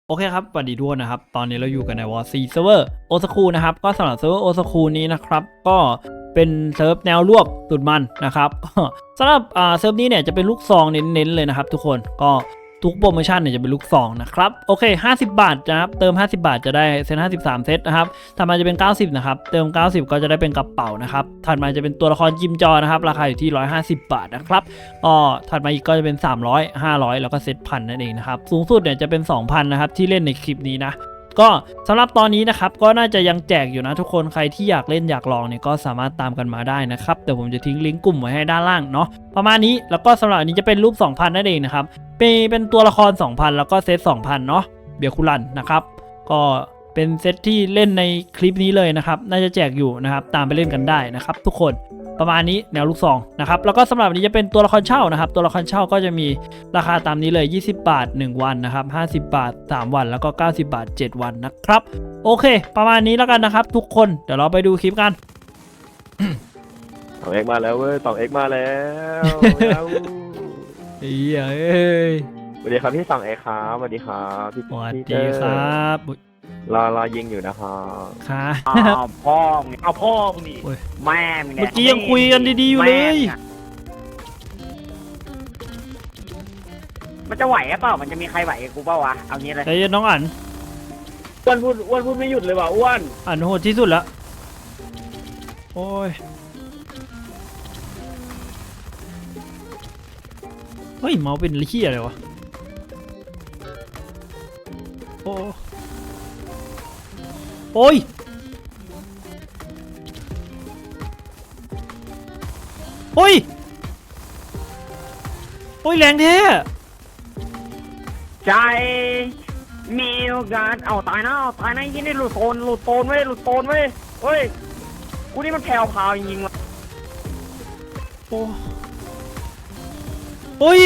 โอเคครับสวัสดีทุกคนนะครับตอนนี้เราอยู่กันในวอร์ซีเซิร์ฟเวอร์โอซากุนะครับก็สำหรับเซิร์ฟเวอร์โอซากุนี้นะครับก็เป็นเซิร์ฟแนวรวบสุดมันนะครับ สำหรับเซิร์ฟนี้เนี่ยจะเป็นลูกซองเน้นๆเลยนะครับทุกคนก็ทุกโปรโมชั่นเนี่ยจะเป็นลูกซองนะครับโอเค50 บาทนะครับเติม50 บาทจะได้เซต53เซตนะครับถัดมาจะเป็น90นะครับเติม90ก็จะได้เป็นกระเป๋านะครับถัดมาจะเป็นตัวละครจิมจอนะครับราคาอยู่ที่150 บาทนะครับก็ถัดมาอีกก็จะเป็น300 500แล้วก็เซตพันนั่นเองนะครับสูงสุดเนี่ยจะเป็น 2,000นะครับที่เล่นในคลิปนี้นะก็สำหรับตอนนี้นะครับก็น่าจะยังแจกอยู่นะทุกคนใครที่อยากเล่นอยากลองเนี่ยก็สามารถตามกันมาได้นะครับแต่ผมจะทิ้งลิงก์กลุ่มไว้ให้ด้านล่างเนาะประมาณนี้แล้วก็สำหรับอันนี้จะเป็นรูป 2,000 นั่นเองนะครับเป็นตัวละคร 2,000 แล้วก็เซต 2,000 เนาะเบียร์คุรันนะครับก็เป็นเซตที่เล่นในคลิปนี้เลยนะครับน่าจะแจกอยู่นะครับตามไปเล่นกันได้นะครับทุกคนประมาณนี้แนวลูกซองนะครับแล้วก็สำหรับวันนี้จะเป็นตัวละครเช่านะครับตัวละครเช่าก็จะมีราคาตามนี้เลย20 บาท1วันนะครับ50 บาท3วันแล้วก็90 บาท7วันนะครับโอเคประมาณนี้แล้วกันนะครับทุกคนเดี๋ยวเราไปดูคลิปกัน 2 X มาแล้วเว้ย2 X มาแล้วเอ้ยสวัสดีครับพี่2 X ครับสวัสดีครับพี่สวัสดีครับรอยิงอยู่นะครับค่ะพ่อมึงเอาพ่อมึงนี่แม่มึงเนี่ยเมื่อกี้ยังคุยกันดีๆอยู่เลยมันจะไหวหรือเปล่ามันจะมีใครไหวกูเปล่าวะเอางี้เลยใจเย็นน้องอั๋นอ้วนพูดไม่หยุดเลยว่ะอ้วนอั๋นโหดที่สุดละโอ้ยเฮ้ยเมาส์เป็นเหี้ยอะไรวะโอ้ยโอ้ยโอ้ยแรงแท้ใจมีโอกาสเอาตายนะยินได้หลุดโตนเว้ยเฮ้ยกูนี่มันแผ่วพาวจริงๆว่ะโอ้ย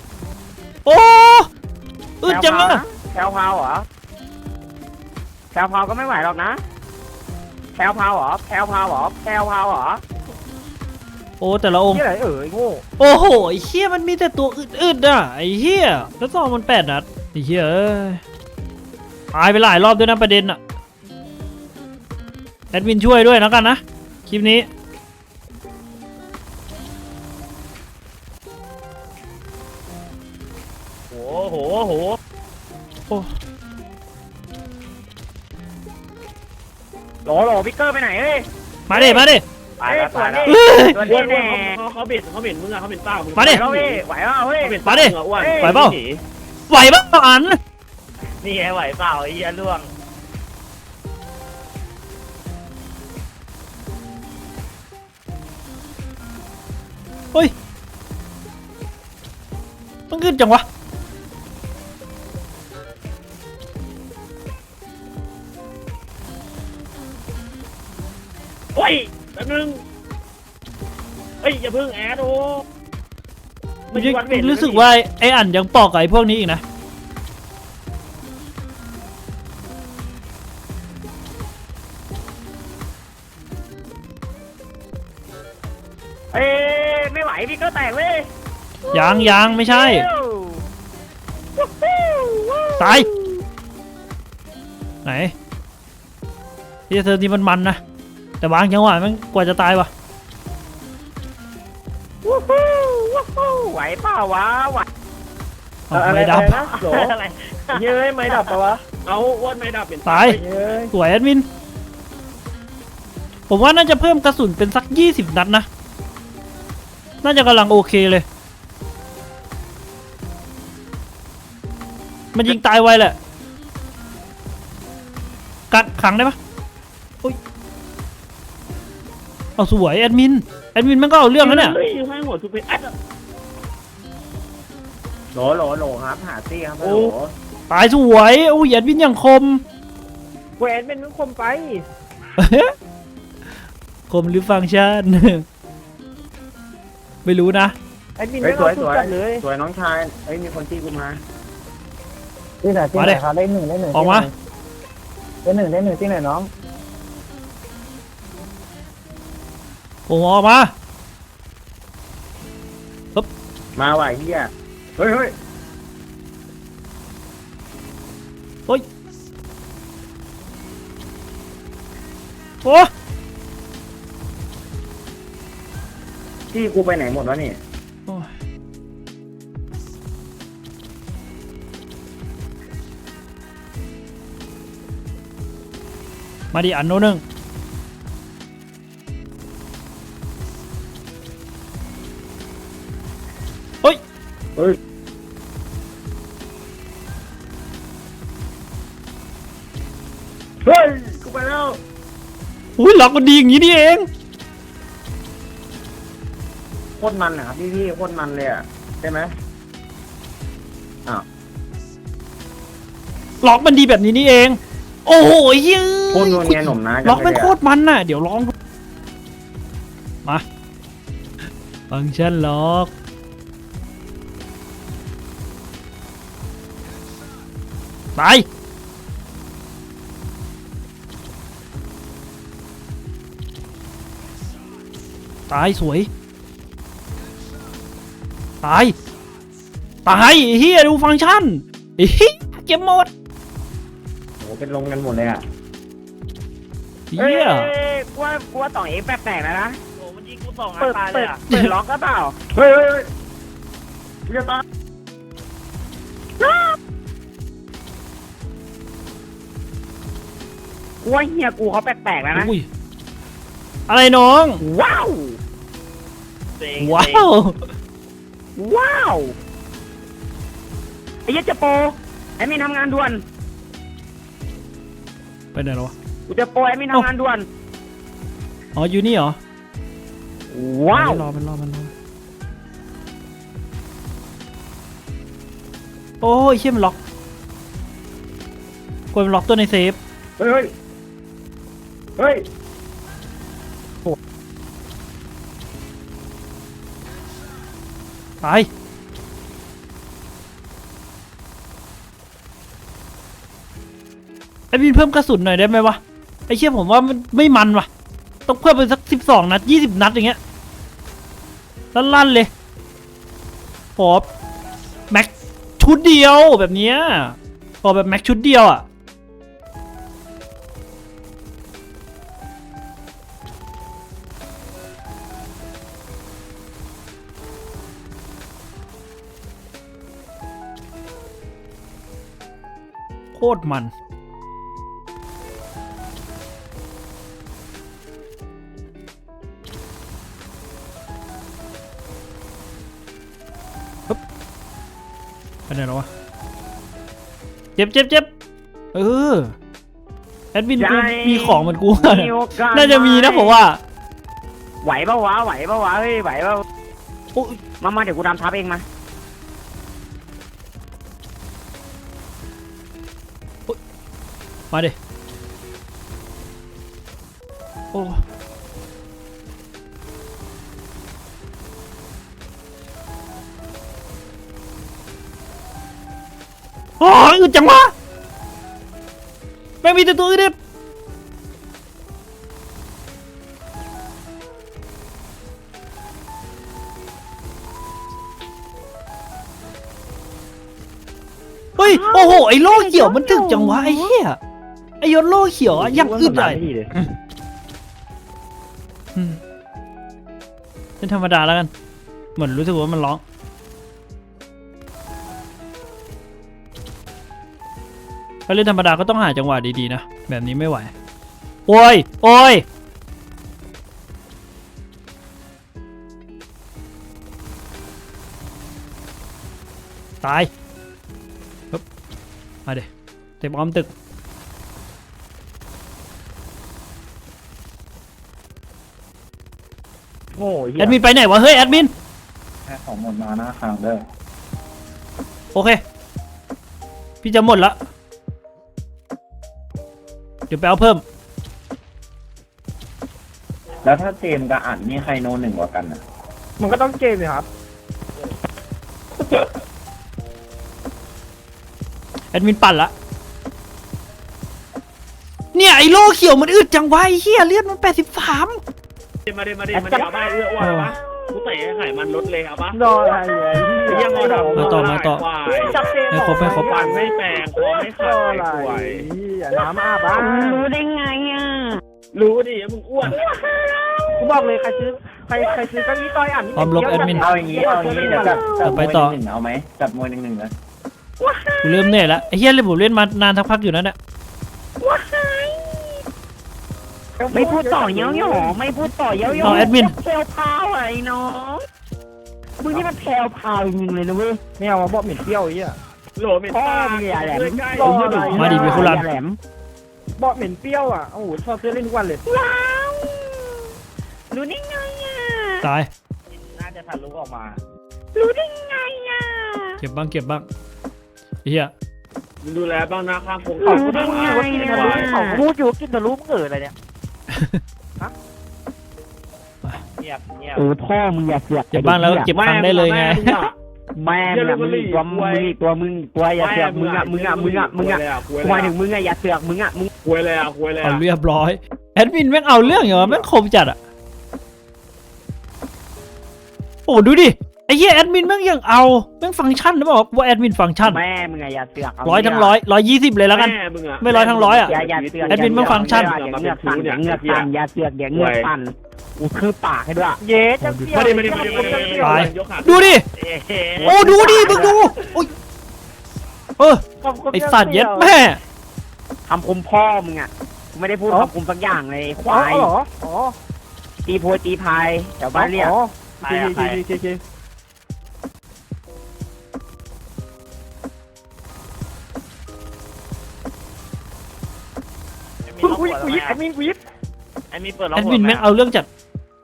อึดจังอะแผ่วพาวเหรอแผ่วพาวก็ไม่ไหวหรอกนะแผ่วพาวเหรอโอ้แต่ละองค์ที่ไหนโง่โอ้โหไอ้เหี้ยมันมีแต่ตัวอึดๆอ่ะไอ้เหี้ยแล้วซองมัน8 นัดไอ้เหี้ยตายไปหลายรอบด้วยนะประเด็นอ่ะแอดมินช่วยด้วยนะกันนะคลิปนี้โหโหพิกเกอร์ไปไหนเอ้ยมาดิไปแล้วตัวนี้แน่เขาเบ็ดมึงอะเขาเบ็ดเปล่ามาดิไหวเปล่าเฮ้ยมาดิไหวเปล่าอันนี่ไงไหวเปล่าไอ้เหี้ยล่วงเฮ้ยมันขึ้นจังวะโอ้ยแป๊บนึงเฮ้ยอย่าเพิ่งแอดโอ้รู้สึกว่าไอ้อันยังปอกกับไอ้พวกนี้อีกนะไม่ไหวพี่ก็แตกเลยยังไม่ใช่ตายไหนที่เธอนี่มันนะแต่บางจังหวะมันกว่าจะตายวะไหวเปล่าวะไหวไม่ดับอะไรเย้ยไม่ดับปะวะเอาอ้วนไม่ดับเป็นตายสวยแอดมินผมว่าน่าจะเพิ่มกระสุนเป็นสัก20 นัดนะน่าจะกำลังโอเคเลยมันยิงตายไวแหละกัดขังได้ปะเอาสวยแอดมินมันก็เอาเรื่องแล้วเนี่ยให้หัวทุบไปแอดโหลครับหาตี้ครับโหตายสวยโอ้ยแอดมินอย่างคมแหวนเป็นคมไปคมหรือฟังก์ชันไม่รู้นะแอดมินไม่สวยสวยน้องชายมีคนตีกูมาที่ไหนครับได้หนึ่งออกมาได้หนึ่งที่ไหนน้องผมออกมาปึ๊บมาไหวเฮียเฮ้ยโอ้ยโอ้ที่กูไปไหนหมดวะนี่โอ้ยมาดิอันโนหนึ่งเฮ้ยเฮ้ยเฮ้ยกูไปแล้วอุ้ยล็อกมันดีอย่างนี้นี่เองโคตรมันนะครับพี่โคตรมันเลยอ่ะใช่ไหมล็อกมันดีแบบนี้นี่เอง โอ้โหเฮ้ยโคตรนวลเนียหนุ่มนะล็อกมันโคตรมันน่ะเดี๋ยวลองดูมาฟังก์ชันล็อกไปตายสวยตายตายไอ้เฮียดูฟังก์ชันไอ้เฮียเก็บหมดโอ้เป็นลงกันหมดเลยอ่ะเฮียกูว่าต่องเอ็กแปลกๆนะโอ้มันยิงกู2 นัดเปิดตายเลยอ่ะล็อกก็เปล่าเฮ้ยกูจะตายกูว่าเฮียกูเขาแปลกๆแล้วนะอุ้ยอะไรน้องว้าวเซ็งว้าวว้าวไอ้ยัดจะโปรไอ้มีทำงานด่วนไปไหนแล้ววะกูจะโปรไอ้มีทำงานด่วนอ๋ออยู่นี่เหรอว้าวมันรอโอ้ยเชี่ยมันล็อกกดมันล็อกตัวในเซฟเฮ้ยเฮ้ยตายไอ้บินเพิ่มกระสุนหน่อยได้ไหมวะไอ้เชี่ยผมว่ามันไม่มันวะต้องเพิ่มไปสัก12 นัด20 นัดอย่างเงี้ยลั่นๆเลยขอแม็กชุดเดียวแบบเนี้ยขอแบบแม็กชุดเดียวอ่ะโคตรมันไปไหนแล้ววะเจ็บเออแอดมินกูมีของเหมือนกูน่าจะมีนะผมว่าไหวปะวะเฮ้ยไหวปะโอ้ยมาเดี๋ยวกูดำทับเองมามาดิโอ้โอ้ยอึดจังวะแม่งมีแต่ตัวอึดเด็บเฮ้ยโอ้โหไอ้โล่เขียวมันถึกจังวะไอ้เหี้ยไอ้ยศโล่เขียวอะยังอึดเลยเป็นธรรมดาแล้วกันเหมือนรู้สึกว่ามันร้องถ้าเล่นธรรมดาก็ต้องหาจังหวะดีๆนะแบบนี้ไม่ไหวโอ้ยโอ้ยตายปึ๊บมาเดี๋ยวเต็มอ้อมตึกโอ้ยแอดมินไปไหนวะเฮ้ยแอดมินแค่ของหมดมาหน้าคางเด้อโอเคพี่จะหมดละเดี๋ยวไปเอาเพิ่มแล้วถ้าเจมส์กับอัดนี่ใครโนหนึ่งกว่ากันอ่ะมันก็ต้องเกมเลยครับแอดมินปั่นละเนี่ยไอ้โล่เขียวมันอึดจังวะไอ้เหี้ยเลือดมัน83 มาดิเอาบ้าเอื้ออ้วนปะกูเตะไข่มันลดเลยเอาปะรออะไรยังงอดำมาต่อควายจับเซมให้ครบฟันไม่แปลงคอไม่ขาดไอ้ควายน้ำอาบอ่ะรู้ได้ไงอ่ะรู้ดิมึงอ้วนกูบอกเลยใครซื้อเก้าอี้ต้อยอ่านพร้อมลบแอดมินเอาอย่างนี้เดี๋ยวจับไปต่อมวยหนึ่งเอาไหมจับมวยหนึ่งนะกูเริ่มเหนื่อยแล้วไอ้เหี้ยเลยผมเล่นมานานสักพักอยู่นั่นแหละไม่พูดต่อเย้าหยอไม่พูดต่อเย้าหยอเอาแอดมินแพลวพาวอะไรน้องมึงนี่มันแพลวพาวจริงเลยนะเว้ยไม่เอามาบอกเหม็นเปรี้ยวไอ้เหี้ยโหลเหม็นพ่อตามึงอย่าแหลมใกล้รออะไรมาดิมีคู่รันอย่าแหลมบอกเหม็นเปรี้ยวอ่ะโอ้โหชอบซื้อเล่นทุกวันเลยว้าวรู้ได้ไงอ่ะตายน่าจะทะลุออกมารู้ได้ไงอ่ะเก็บบ้างไอ้เหี้ยมึงดูแลบ้างนะข้างโคงรู้ได้ไงควายอ่ะพูดอยู่กินทะลุมึงอะไรเนี่ยเงียบเออพ่อมึงอย่าเสือกเก็บบ้างแล้วเก็บตังค์ได้เลยไงแม่มึงอะมึงตัวอย่าเสือกมึงอะควายถึงมึงอะอย่าเสือกมึงอะมึงควายเลยอ่ะควายเลยเอาอ่ะเรียบร้อยแอดมินแม่งเอาเรื่องอย่างวะแม่งคมจัดอ่ะโอ้ดูดิไอ้เหี้ยแอดมินแม่งยังเอาแม่งฟังก์ชันนะบอกว่าแอดมินฟังก์ชันแม่มึงอะอย่าเสือก 100 ทั้ง 120เลยแล้วกันแม่มึงอ่ะไม่100 ทั้ง 100อ่ะอย่าเสือกแอดมินมันฟังก์ชันอย่าเงือกสั่นอย่าเงือกสั่นอย่าเสือกอย่าเงือกสั่นกูคือปากให้ด้วยเย้จังเปรี้ยวมาดิตายยกขาดูดิเอ๊ะโอ้ดูดิมึงดูโอ้ยไอสัตว์เย็ดแม่คำคมพ่อมึงอะกูไม่ได้พูดคำคมสักอย่างเลยควายเหรออ๋อตีโพยตีพายแถวบ้านเรียกที กูยิบแอดมินกูยิบไอ้มีเปิดแอดมินแม่งเอาเรื่องจัด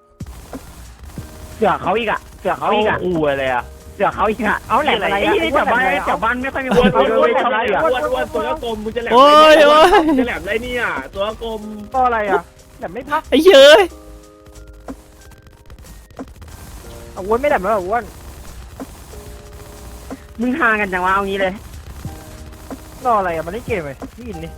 เสือกเขาอีกอะเสือกเขาอีกอะอู้อะไรอ่ะเสือกเขาอีกอะเอาแหลมอะไรแถวบ้านไม่ค่อยมีคอ้วน นเลอ้วนยชอบอะไรเสือกอ้วนตัวกลมมึงจะแหลมโอ้ยจะแหลมไรเนี่ยตัวกลมก็อะไรอ่ะแต่ไม่พักไอ้เหี้ยเอ้ยอ้วนไม่ได้แล้วอ้วนมึงห่างกันจังวะเอางี้เลยรออะไรอ่ะมันเล่นเกมเลยนี่อินนี่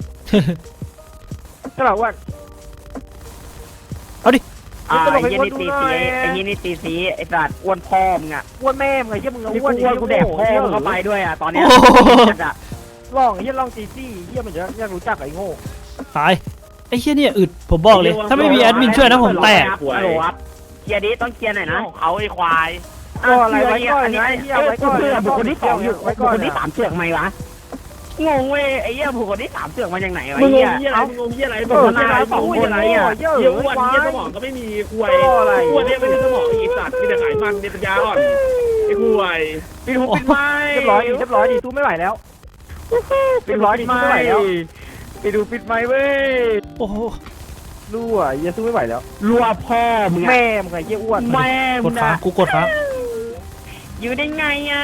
ก็แบบอ้วนไอ้ยี่นี่ตีสีไอ้ยี่นี่ตีสีไอ้สัตว์อ้วนพ่อมึงอะอ้วนแม่มึงไอ้เหี้ยมึงนี่อ้วนกูแดกพ่อมึงเข้าไปด้วยอะตอนเนี้ยลองไอ้เหี้ยลองตีซี่เหี้ยมันจะอยากรู้จักไอ้โง่ตายไอ้เหี้ยเนี่ยอึดผมบอกเลยถ้าไม่มีแอดมินช่วยนะผมแตกฮัลโหลครับเคลียร์ดิต้องเคลียร์หน่อยนะเขาไอ้ควายก็อะไรไว้ก่อนนะไอ้เหี้ยไว้ก่อนเพื่อบุคคลที่สองอยู่ไว้บุก่คอนคลที่สามเสือกไหมวะงงเว้ยไอ้เหี้ยบุคคลที่สามเสือกมาจากไหนวะมึงงเหี้งยเหี้ยอะไรมึงงงเหี้ยอะไรเอมึงองงอะไรสองมึงคงนอะไรเหี้ยอ่ะเหี้ยเหี้ยอ้วนเหี้ยสมองก็ไม่มีควายอ้วนเนี่ยไม่ได้สมองอีสัตว์มีแต่ไขมันในปัญญาอ่อนไอ้ควายปิดหูปิดไม้เรียบร้อยดีสู้ไม่ไหวแล้วปิดร้อยดีไม่ไหวแล้วไปดูปิดไม้เว้ยโอ้โหรู้อ่ะเหี้ยสู้ไม่ไหวแล้วรัวพ่อมึงแม่มึงไอ้เหี้ยอ้วนแม่กมึดงค้างนะกูกดค้างอยู่ได้ไงอ่ะ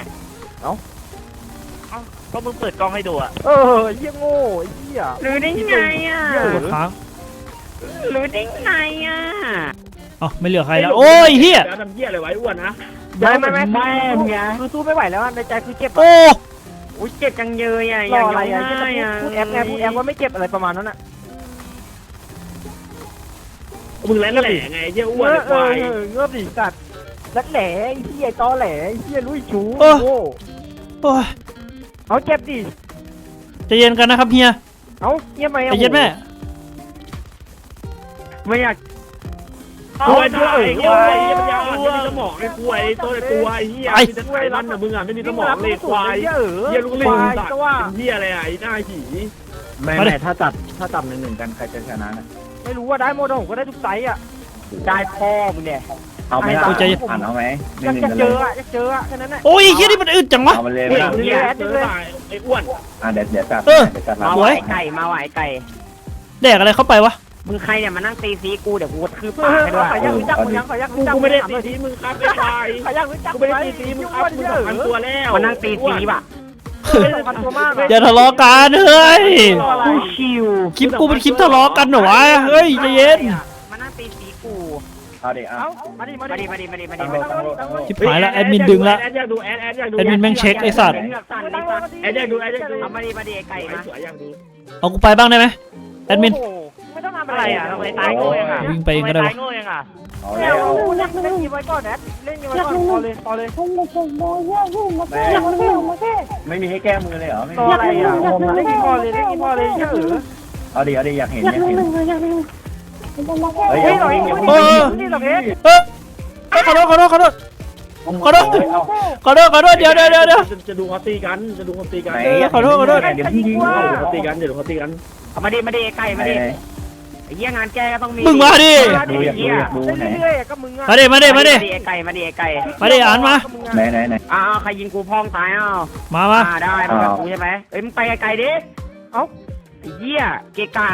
ก็มึงเปิดกล้องให้ดูอ่ะเออเหี้ยโง่ไอ้เหี้ยรู้ได้ไงอ่ะกดค้างรู้ได้ไงอ่ะเอ้าไม่เหลือใครแล้วโอ้ยเหี้ยแล้วทำเหี้ยอะไรไว้อ้วนนะแม่มึงไงคือสู้ไม่ไหวแล้วในใจคือเจ็บโอ้อุ้ยเจ็บจังเยยอ่ะรย่าอง อะไรร้องอ่ะไห้อ่ะพูดแอปว่าไม่เจ็บอะไรประมาณนั้นอ่ะมึงแหลไงเหี้ยอ้วนไอ้ควายเงือบดิสัตว์รักแหล่ไอ้เหี้ยตอแหล่ไอ้เหี้ยลุยชูโอ้ยเอาเจ็บดิใจเย็นกันนะครับเฮียเอาเหี้ยไหมใจเย็นแม่ไม่อยากควายตายเหี้ยไอ้เหี้ยปัญญาอ่อนไม่มีสมองไอ้ควายตัวไอ้เหี้ยมีแต่ไขมันนะมึงอ่ะไม่มีสมองเลยควายเหี้ยลูกลิงสัตว์เป็นเหี้ยอะไรอ่ะไอ้หน้าผีแม่ถ้าจับหนึ่งกันใครจะชนะนะไม่รู้ว่าได้โมดผมก็ได้ทุกไซส์อ่ะได้พ่อมึงเนี่ยเอาไหมล่ะอ่านเอาไหมหอยากนึ่งจะกันเจเลอย อ่ะอยากเจออ่ะแค่นั้นแหละโอ้ยเฮียนี่มันอึดจังวะเอามาเลยไหมล่ะเหี้ยเจอตายไอ้อ้วนเดี๋ยวจัดเออเดี๋ยวจัดมาสไหววยไก่มาไหวไก่แดกอะไรเข้าไปวะมึงใครเนี่ยมานั่งตีซีกูเดี๋ยวกูคือเอปากอให้ด้วยขออยากรู้จักมึงยังขออยากรู้จักกูไม่ได้ตีทีมึงครับไอ้ควายขออยากรู้จักกูไม่ได้ตีทีมึงครับมึง2,000ตัวแล้วมานั่งตีซีป่ะมันตัวมากอย่าทะเลาะกันเฮ้ยกูชิวคลิปกูเป็นคลิปทะเลาะกันเหรอวะเฮ้ยใจเย็นมานั่งตีซีกูเอาดิเอาเอามาดิมาดิมาดิมาดิมาดิชิบหายแล้วแอดมินดึงละแอดอยากดูแอดอยากดูแอดมินแม่งเช็คไอ้สัตว์เงือกสั่นดิสัตว์แอดอยากดูแอดอยากดูเอามาดิมาดิไก่มาสวยอยากดูเอากูไปบ้างได้ไหมแอดมินไม่ต้องทำอะไรอ่ะทำไมตายโง่ยังอ่ะวิ่งไปเองก็ได้วะทำมตายโง่ยังอ่ะเอาแล้วเล่นยิงไว้ก่อนแอดเล่นยิงไว้ก่อนพอเลยพอเลยไม่มีให้แก้มือเลยเหรอไม่ต่อมีอะไรอ่ะเล่นยิงพอเลยเล่นยิงพอเลยเยอะเอาดิอยากเห็นอยากเห็นเฮ้ยหน่อยนี่หรอกเอ็ดเฮ้ยขอโทษเดี๋ยวจะดูเขาตีกันจะดูเขาตีกันไหนขอโทษเดี๋ยวพี่ยิงเขาตีกันเดี๋ยวเขาตีกันเอามาดิไก่มาดิไอ้เหี้ยงานแกก็ต้องมีมึงมาดิดูอยากดูอยากดูไหนเรื่อยๆก็มึงอ่ะมาดิมาดิไก่มาดิไก่มาดิอ่านมาไหนอ้าวใครยิงกูพองตายอ้าวมาได้มึงกับกูใช่ไหมเอ้ยมึงไปไกลๆดิเอ้าไอ้เหี้ยเกกะ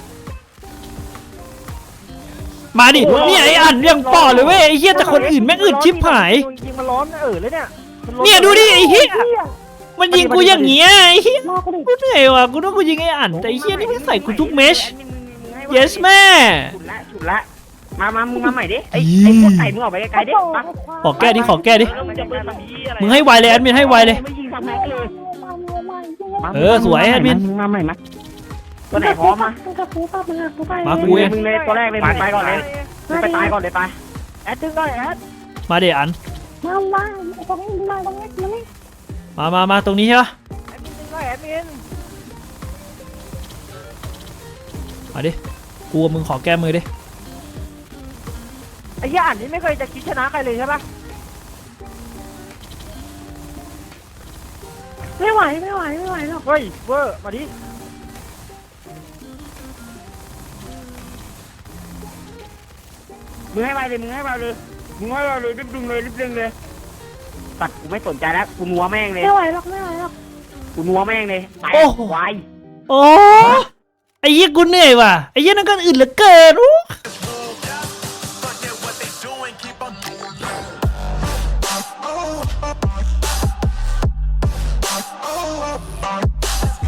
มาดิเนี่ยไอ้อันยังปอดเลยเว้ยไอ้เหี้ยแต่คนอื่นแม่งอึดชิบหายยิงมันร้อนเลยเนี่ยเนี่ยดูดิไอ้เหี้ยมันยิงกูอย่างเงี้ยไอ้เหี้ยกูเหนื่อยว่ะกูต้องกูยิงไอ้อันแต่ไอ้เหี้ยนี่ไม่ใส่กูทุกเมช yes แม่ฉุดละมามึงมาใหม่ดิไอ้พวกไก่มึงออกไปไกลๆดิขอแก้ดิจะเป็นแบบนี้อะไรมึงให้ไวเลยแอดมินให้ไวเลยไม่ยิงทำแม็กเลยสวยแอดมินมาใหม่มาตัวไหนพร้อมมามากูเองมึงเลยตัวแรกเลยไปก่อนเลยมึงไปตายก่อนเลยไปแอดดึงได้แอดมาดิอันมาตรงนี้ใช่ปะแอดมินดึงได้แอดมินมาดิกูกับมึงขอแก้มือดิไอ้ย่าอ่านนี่ไม่เคยจะคิดชนะใครเลยใช่ปะไม่ไหวหรอกเฮ้ยเวอร์มาดิมึงให้ไวเลยรีบดึงเลยตัดกูไม่สนใจแล้วกูนัวแม่งเลยไม่ไหวหรอกกูนัวแม่งเลยตายควายโอ้ไอ้เหี้ยกูเหนื่อยว่ะไอ้เหี้ยนั่นก็อึดเหลือเกิน